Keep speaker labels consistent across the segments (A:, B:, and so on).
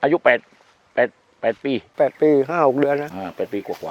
A: อายุ8 ปี
B: 8 ปี 5-6 เดือนนะ
A: 8 ปีกว่า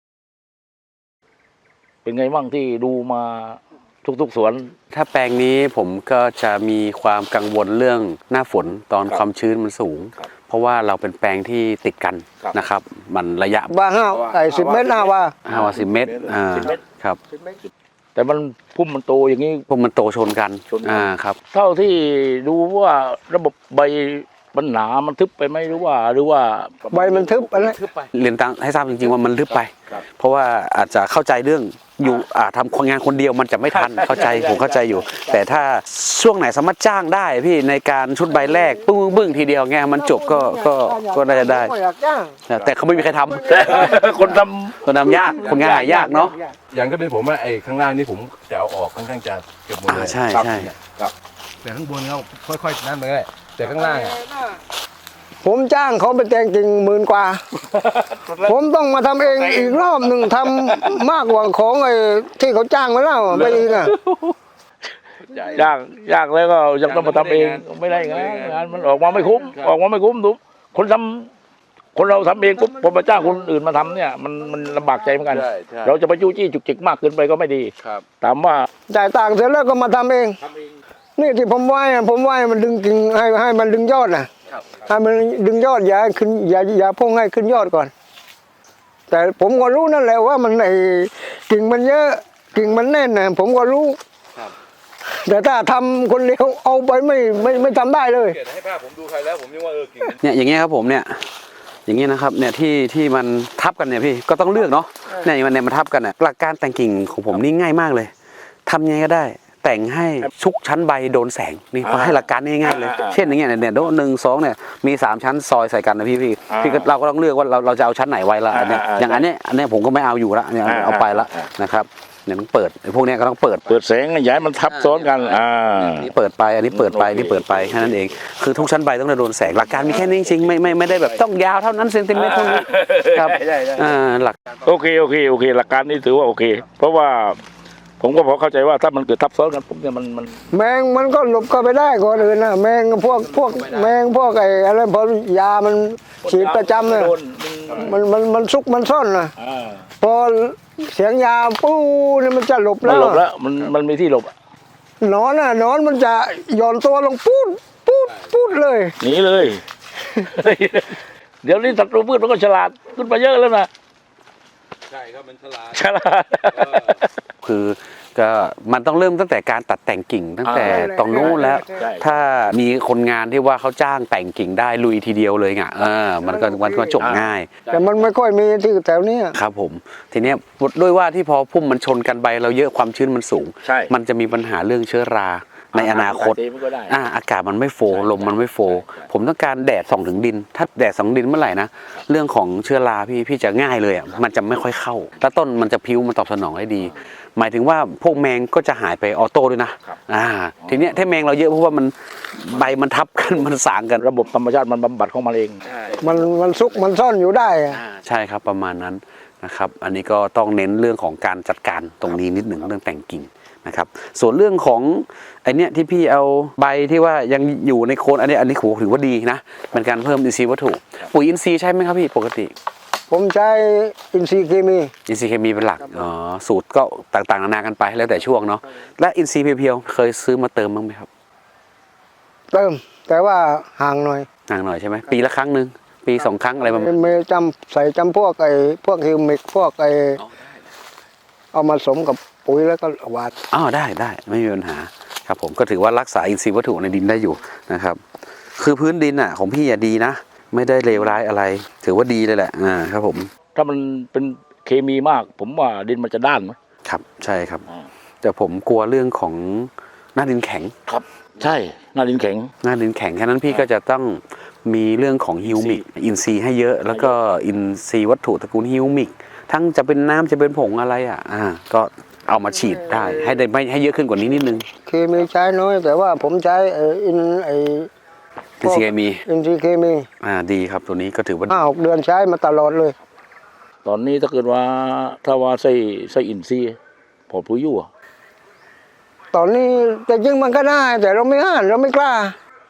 A: เป็นไงบ้างที่ดูมาทุกสวน
C: ถ้าแปลงนี้ผมก็จะมีความกังวลเรื่องหน้าฝนตอนความชื้นมันสูงเพราะว่าเราเป็นแปลงที่ติดกันนะครับมันระยะ
B: ว่า10 เมตรว่า
C: 10 เมตรครับ
A: แต่มันพุ่มมันโตอย่างนี้
C: พุ่มมันโตชนกันครับ
A: เท่าที่ดูว่าระบบใบมันหนามันทึบไปไหมหรือว่า
B: ใบมันทึบอะไร
C: เรียนให้ทราบจริงๆว่ามันทึบไปเพราะว่าอาจจะเข้าใจเรื่องอยู่ทำงานคนเดียวมันจะไม่ทันเข้าใจผมเข้าใจอยู่แต่ถ้าช่วงไหนสามารถจ้างได้พี่ในการชุดใบแรกบึ้งทีเดียวไงมันจบก็น่าจะได้แต่เขาไม่มีใครทำคนทำยากคนงานหายากเนาะ
D: อย่างก็เป็นผมว่าไอ้ข้างล่างนี่ผมจะเอาออกค่อนข้างจะเกือบหมดเลย
C: ใช่
D: แต่ข้างบนเขาค่อยๆนั่นเลยแต่ข้างล่าง
B: ผมจ้างเขาไปแต่งกิ่ง10,000 กว่าผมต้องมาทำเองอีกรอบหนึ่งทำมากกว่าของไอ้ที่เขาจ้างมาแล้วไปอีก
A: ยากแล้วก็ยังต้องมาทำเองไม่ได้งานมันออกมาไม่คุ้มทุกคนเราทำเองปุ๊บพอมาจ้างคนอื่นมาทำเนี่ยมันลำบากใจเหมือนกันเราจะไปจู้จี้จุกจิกมากเกินไปก็ไม่ดีถามว่า
B: จ่ายต่างเสร็จแล้วก็มาทำเองนี่ที่ผมไหว้มันดึงกิ่งให้มันดึงยอดนะให้มันดึงยอดอย่าขึ้นอย่าพุ่งให้ขึ้นยอดก่อนแต่ผมก็รู้นั่นแหละว่ามันไอ้กิ่งมันเยอะกิ่งมันแน่นนะผมก็รู้แต่ถ้าทำคนเดียวเอาไปไม่ทำได้เลย
D: ให้ภาพผมดูใครแล้วผมยังว่ากิ่ง
C: เนี่ยอย่างเงี้ยครับผมเนี่ยอย่างเงี้ยนะครับเนี่ยที่มันทับกันเนี่ยพี่ก็ต้องเลือกเนาะเนี่ยมันทับกันเนี่ยหลักการแต่งกิ่งของผมนี่ง่ายมากเลยทำยังไงก็ได้แต่งให้ชุกชั้นใบโดนแสงนี่พอให้หลักการง่ายๆเลยเช่นอย่างเงี้ยเนี่ย1 2เนี่ยมี3 ชั้นซอยใส่กันนะพี่เราก็ต้องเลือกว่าเราจะเอาชั้นไหนไว้ละเนี่ยอย่างอันนี้ผมก็ไม่เอาอยู่ละเนี่ยเอาไปละนะครับเนี่ยต้องเปิดพวกนี้ก็ต้องเปิด
A: แสงย้ายมันทับซ้อนกัน
C: นี่เปิดไปอันนี้เปิดไปนี่เปิดไปแค่นั้นเองคือทุกชั้นใบต้องโดนแสงหลักการมีแค่นี้จริงไม่ได้แบบต้องยาวเท่านั้นเซนติเมตรเท่านี้ครับหลัก
A: โอเคหลักการนี้ถือว่าโอเคเพราะว่าผมก็พอเข้าใจว่าถ้ามันเกิดทับซ้อนกันปุ๊บเนี่ยมัน
B: แมงมันก็หลบเข้าไปได้ก่อนอื่นนะแมงพวกแมงพวกไอ้อะไรพอยามันฉีดประจำเนี่ยมันซุกมันซ่อนนะพอเสียงยาปู้เนี่ยมันจะหลบแล้ว
A: มันมีที่หลบ
B: นอนมันจะหย่อนตัวลงปูดเลย
A: หนีเลยเดี๋ยวนี้ศัตรูพืชมันก็ฉลาดขึ้นมาเยอะแล้วนะ
D: ใช่ครับมันฉลาด
C: คือก็มันต้องเริ่มตั้งแต่การตัดแต่งกิ่งตั้งแต่ตรงนู้นแล้วถ้ามีคนงานที่ว่าเขาจ้างแต่งกิ่งได้ลุยทีเดียวเลยไงมันก็จบง่าย
B: แต่มันไม่ค่อยมีที่แถวนี้
C: ครับผมทีนี้ด้วยว่าที่พอพุ่มมันชนกันใบเราเยอะความชื้นมันสูงมันจะมีปัญหาเรื่องเชื้อราในอนาคตอากาศมันไม่โฟลมมันไม่โฟผมต้องการแดดส่องถึงดินถ้าแดดส่องดินเมื่อไหร่นะเรื่องของเชื้อราพี่จะง่ายเลยมันจะไม่ค่อยเข้าแล้วต้นมันจะพิ้วมันตอบสนองได้ดีหมายถึงว่าพวกแมงก็จะหายไปออโต้ด้วยนะทีนี้ถ้าแมงเราเยอะเพราะว่ามันใบมันทับกันมันสางกัน
A: ระบบธรรมชาติมันบำบัดของมันเอง
B: มันซุกมันซ่อนอยู่ได้
C: ใช่ครับประมาณนั้นนะครับอันนี้ก็ต้องเน้นเรื่องของการจัดการตรงนี้นิดหนึ่งเรื่องแต่งกิ่งนะครับส่วนเรื่องของไอเนี้ยที่พี่เอาใบที่ว่ายังอยู่ในโคนอันนี้ถือว่าดีนะเป็นการเพิ่มอินทรีย์วัตถุปุ๋ยอินทรีย์ใช่ไหมครับพี่ปกติ
B: ผมใช้อินทรีย์เคมี
C: เป็นหลักสูตรก็ต่างๆนานากันไปแล้วแต่ช่วงเนาะและอินทรีย์เพียวๆเคยซื้อมาเติมบ้างไหมครับ
B: เติมแต่ว่าห่างหน่อย
C: ใช่ไหมปีละครั้งนึงปี2 ครั้งอะไรประมาณ
B: ไม่ใส่พวกฮิวมิกพวกเอามาสมกับปุ๋ยแล้วก็หวาน
C: ได้ไม่มีปัญหาครับผมก็ถือว่ารักษาอินทรีย์วัตถุในดินได้อยู่นะครับคือพื้นดินของพี่ดีนะไม่ได้เลวร้ายอะไรถือว่าดีเลยแหละครับผม
A: ถ้ามันเป็นเคมีมากผมว่าดินมันจะด้านไหม
C: ครับใช่ครับแต่ผมกลัวเรื่องของหน้าดินแข็ง
A: ครับใช่หน้าดินแข็ง
C: แค่นั้นพี่ก็จะต้องมีเรื่องของฮิวมิกอินทรีย์ให้เยอะแล้วก็อินทรีย์วัตถุตระกูลฮิวมิกทั้งจะเป็นน้ำจะเป็นผงอะไรก็เอามาฉีดได้ให้เยอะขึ้นกว่านี้นิดนึง
B: เคมีใช้น้อยแต่ว่าผมใช้อินทรีย์เคมี
C: ดีครับตัวนี้ก็ถือว่า
B: 5-6 เดือนใช้มาตลอดเลย
A: ตอนนี้ถ้าเกิดว่าใส่อินทรีย์พอปุ๋ยอยู่
B: ตอนนี้แต่จริงมันก็ได้แต่เราไม่กล้า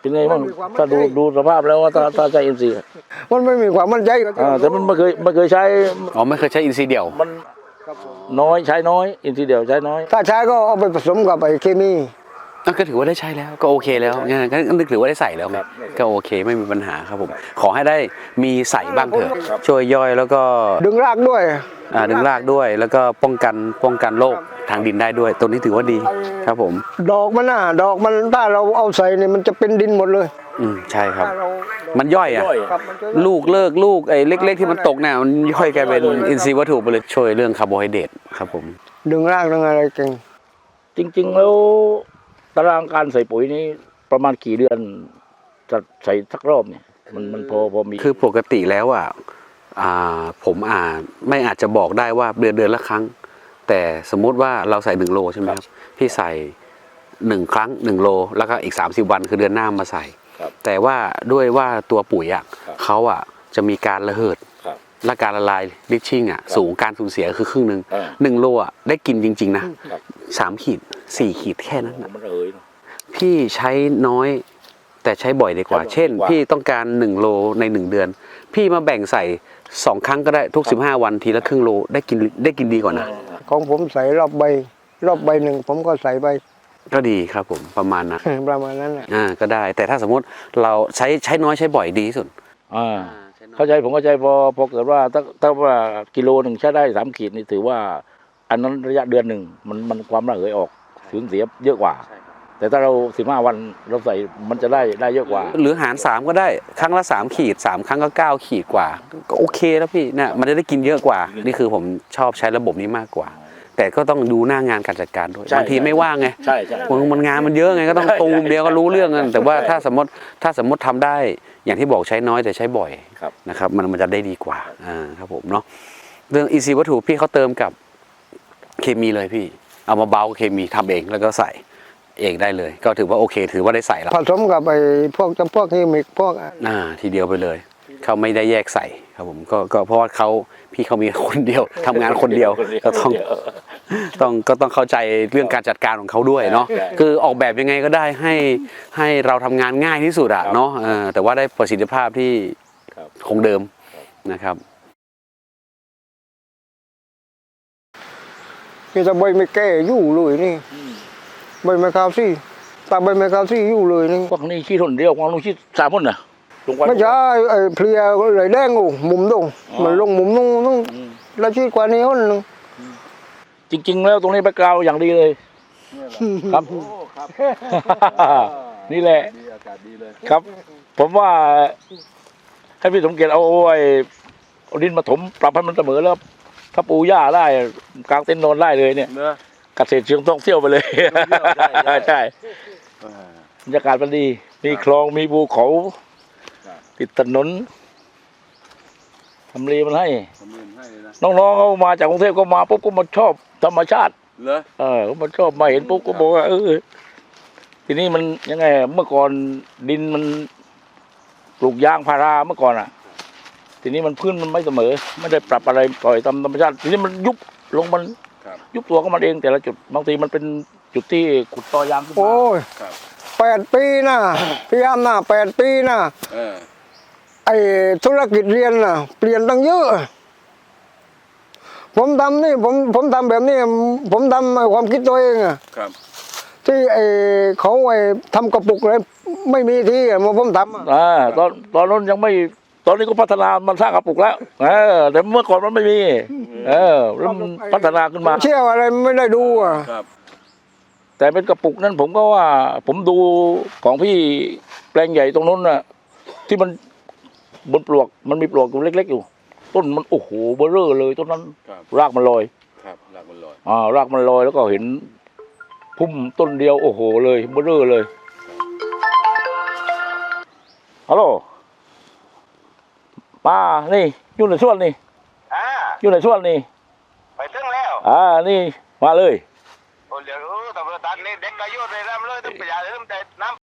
A: เป็นไงบ้างถ้าดูสภาพแล้วว่าถ้าใช้อินทรีย์
B: มันไม่มีความมั่นใจ
A: แต่มันไม่เคยใช้
C: อ๋อไม่เคยใช้อินทรีย์เดี่ยว
A: มันน้อยใช้น้อยอินทรีย์เดียวใช้น้อย
B: ถ้าใช้ก็เอาไปผสมกับไอ้เคมี
C: ก็ถือว่าได้ใช้แล้วก็โอเคแล้วเนี่ยก็นึกถือว่าได้ใส่แล้วไงก็โอเคไม่มีปัญหาครับผมขอให้ได้มีใส่บ้างเถอะช่วยย่อยแล้วก็
B: ดึงรากด้วย
C: ดึงรากด้วยแล้วก็ป้องกันโรคทางดินได้ด้วยตัวนี้ถือว่าดีครับผม
B: ดอกมันถ้าเราเอาใส่เนี่ยมันจะเป็นดินหมดเลย
C: ใช่ครับ
B: ถ้าเรา
C: มันย่อยอ่ะ
B: ครับมันจะ
C: ลูกไอ้เล็ก ๆ ที่มันตกเนี่ยมันย่อยกลายเป็นอินทรีย์วัตถุไปเลยช่วยเรื่องคาร์โบไฮเดรตครับผม
B: ดึงรากดึงอะไรเก่ง
A: จริงๆแล้วตารางการใส่ปุ๋ยนี้ประมาณกี่เดือนจะใส่สักรอบเนี่ยมันพอมี
C: คือปกติแล้วผมไม่อาจจะบอกได้ว่าเดือนละครั้ง แต่สมมุติว่าเราใส่1 โลใช่ไหมครับพี่ใส่1 ครั้ง1 โลแล้วก็อีก30 วันคือเดือนหน้ามาใส่ แต่ว่าด้วยว่าตัวปุ๋ยเขาจะมีการระเหิดและการละลายลิชชิ่งสูงการสูญเสียคือครึ่งหนึ่ง1 โลได้กินจริงๆนะ3 ขีด 4 ขีดแค่นั้นพี่ใช้น้อยแต่ใช้บ่อยดีกว่า เช่นพี่ต้องการ1 โลใน1 เดือนพี่มาแบ่งใส่2 ครั้งก็ได้ทุก15 วันทีละครึ่งโลได้กินดีกว่านะ
B: ของผมใส่รอบใบหนึ่งผมก็ใส่ใบ
C: ก็ดีครับผมประมาณนั้น
B: ประมาณนั้นแหละ
C: ก็ได้แต่ถ้าสมมติเราใช้น้อยใช้บ่อยดีที่สุด
A: เข้าใจผมเข้าใจพอเกิดว่าถ้าว่ากิโลหนึ่งใช้ได้3 ขีดนี่ถือว่า อันนั้นระยะเดือนหนึ่งมันความระเหยออกสูญเสียเยอะกว่า แต่ถ้าเรา15 วันเราใส่มันจะได้เยอะกว่า
C: หรือหาร3ก็ได้ครั้งละ3 ขีด3 ครั้งก็9 ขีดกว่าก็โอเคแล้วพี่เนี่ยมันจะได้กินเยอะกว่านี่คือผมชอบใช้ระบบนี้มากกว่า แต่ก็ต้องดูหน้างานการจัดการด้วยบางทีไม่ว่างไง
A: ใช่
C: มันงานมันเยอะไงก็ต้องตูมเดียวก็รู้เรื่องกันแต่ว่าถ้าสมมติทำได้อย่างที่บอกใช้น้อยแต่ใช้บ่อยนะครับมันจะได้ดีกว่าครับผมเนาะเรื่องอินทรีย์วัตถุพี่เขาเติมกับเคมีเลยพี่เอามาเบาเคมีทำเองแล้วก็ใส่เองได้เลย ก็ถือว่าโอเคถือว่าได้ใส่แล้ว
B: ผสมกับไอ้พวกจำพวกเคมีพวก
C: ทีเดียวไปเลยเขาไม่ได้แยกใส่ครับผมก็เพราะว่าพี่เขามีคนเดียวทำงานคนเดียวก็ต้องเข้าใจเรื่องการจัดการของเขาด้วยเนาะคือออกแบบยังไงก็ได้ให้เราทำงานง่ายที่สุดเนาะแต่ว่าได้ประสิทธิภาพที่คงเดิมนะครับ
B: นี่ถ้าใบไม่แก่ยู่เลยนี่ใบไม้ขาวซี่ตาใบไม้ขาวซี่ยู่เลยนี่
A: พวกนี้ขี้ทนเดียวของลุงขี้3 คนน่ะ
B: ไม่ใช่ไอ้เพลียเลยแดงโอ้มุมตรงมันลงมุมต้องแล้วชี้กว่านี้คนนึง
A: จริงๆแล้วตรงนี้แบ็คกราวด์อย่างดีเลยครับนี่แหละครับ ผมว่าให้พี่สมเกียรติเอาดินมาถมปรับให้มันเสมอแล้วถ้าปูหญ้าได้กลางเต็นท์นอนได้เลยเนี่ยเกษตรเชิงท่องเที่ยวไปเลยใช่บรรยากาศมันดีมีคลองมีภูเขาติดถนนทำเลมันให้น้องๆเขามาจากกรุงเทพก็มาปุ๊บก็มาชอบธรรมชาติเขามาชอบมาเห็นปุ๊บก็บอกว่าทีนี้มันยังไงเมื่อก่อนดินมันปลูกยางพาราเมื่อก่อนทีนี้มันพื้นมันไม่เสมอไม่ได้ปรับอะไรปล่อยตามธรรมชาติทีนี้มันยุบลงมันยุบตัวก็มันเองแต่ละจุดบางทีมันเป็นจุดที่ขุดตอยางขึ้นมา
B: โอ้ย8 ปีนะพยายามนะ8 ปีนะไอ้ธุรกิจเรียนน่ะเปลี่ยนตั้งเยอะผมทำนี่ผมทำแบบนี้ผมทำความคิดตัวเองที่เขาทำกระปุกเลยไม่มีที่มาผมทำ
A: ตอนนั้นยังไม่ตอนนี้ก็พัฒนามันสร้างกระปุกแล้วแต่เมื่อก่อนมันไม่มีแล้วมันพัฒนาขึ้นมา
B: เชื่ออะไรไม่ได้ดู
A: แต่เป็นกระปุกนั้นผมก็ว่าผมดูของพี่แปลงใหญ่ตรงนู้นน่ะที่มันบนปลวกมันมีปลวกอยู่เล็กๆอยู่ต้นมันโอ้โหเบ้อเร่อเลยต้นนั้นรากมันลอยรากมันลอยแล้วก็เห็นพุ่มต้นเดียวโอ้โหเลยเบ้อเร่อเลยฮัลโหลมานี่อยู่ในสวนนี่อยู่ในสวนนี่
E: ไปถึงแล้ว
A: นี่มาเลย
E: โอ้เดี๋ยวตำรวจตัดนี่เด็กก็อยู่ในน้ำเลยต้องไปอย่าลืมแต่น้ำ